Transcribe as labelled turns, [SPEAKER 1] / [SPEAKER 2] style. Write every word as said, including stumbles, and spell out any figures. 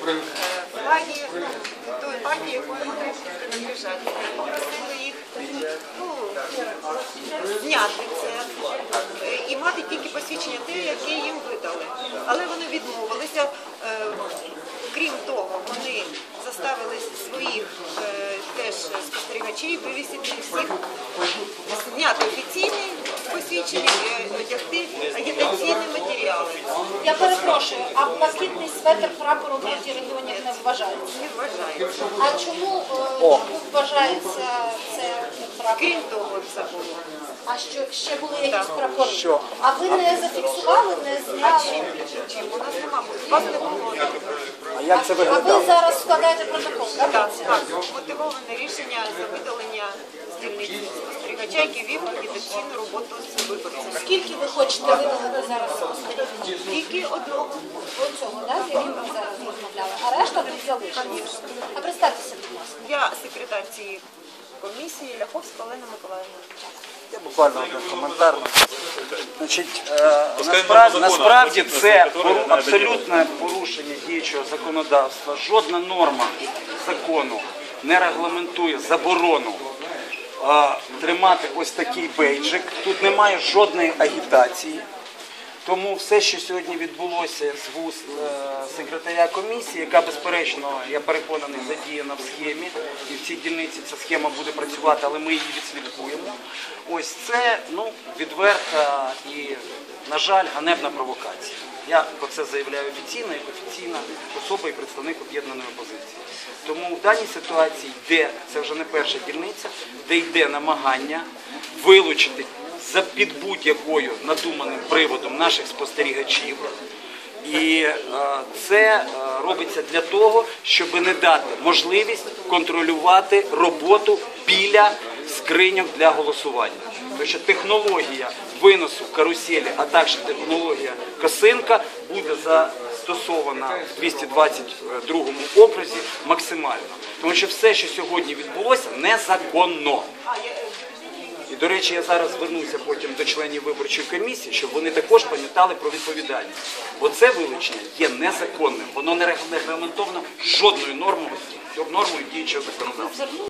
[SPEAKER 1] флаги той партії, якої вони принадлежать. Попросили їх ну, зняти це і мати тільки посвідчення те, яке їм видали. Але вони відмовилися. Крім того, вони заставили своїх е, теж спостерігачів вивісити всіх, зняти офіційні посвідчення і одягти агітаційні матеріали.
[SPEAKER 2] Я перепрошую, а блакитний светр прапору партії регіонів не вважається?
[SPEAKER 1] Не вважається.
[SPEAKER 2] А чому е, вважається це прапор?
[SPEAKER 1] Крім того, це було.
[SPEAKER 2] А що, ще були якісь
[SPEAKER 1] Так.
[SPEAKER 2] прапори?
[SPEAKER 3] Що?
[SPEAKER 2] А ви не зафіксували, не
[SPEAKER 1] А
[SPEAKER 2] зняли?
[SPEAKER 1] чим? Чим? У нас нема, вас не було.
[SPEAKER 3] А як це
[SPEAKER 2] А ви
[SPEAKER 3] виглядало?
[SPEAKER 2] зараз складаєте протокол, так?
[SPEAKER 1] Так, так, мотивоване рішення за видалення з дільниці спостерігача, який вів агітаційну роботу з виборцями.
[SPEAKER 2] Скільки ви хочете видалити зараз спостерігачів?
[SPEAKER 1] Тільки одного.
[SPEAKER 2] Оцього, так, з яким ми зараз розмовляли. А решта тут залишилися. А представтеся, будь ласка.
[SPEAKER 1] Я секретар цієї комісії Ляховська Олена Миколаївна.
[SPEAKER 3] Я буквально один коментар. Значить, е, насправді, насправді це пору- абсолютне порушення діючого законодавства. Жодна норма закону не регламентує заборону е, тримати ось такий бейджик. Тут немає жодної агітації. Тому все, що сьогодні відбулося з вуст е, секретаря комісії, яка, безперечно, я переконаний, задіяна в схемі, і в цій дільниці ця схема буде працювати, але ми її відслідкуємо. Ось це ну, відверта і, на жаль, ганебна провокація. Я про це заявляю офіційно, як офіційна особа і представник об'єднаної опозиції. Тому в даній ситуації йде, це вже не перша дільниця, де йде намагання вилучити за під будь-якою надуманим приводом наших спостерігачів. І е, це е, робиться для того, щоб не дати можливість контролювати роботу біля скриньок для голосування. Тому що технологія виносу каруселі, а також технологія косинка буде застосована в двісті двадцять другому окрузі максимально. Тому що все, що сьогодні відбулося, незаконно. І, до речі, я зараз звернуся потім до членів виборчої комісії, щоб вони також пам'ятали про відповідальність. Бо це вилучення є незаконним, воно не регламентовано жодною нормою, нормою діючого законодавства.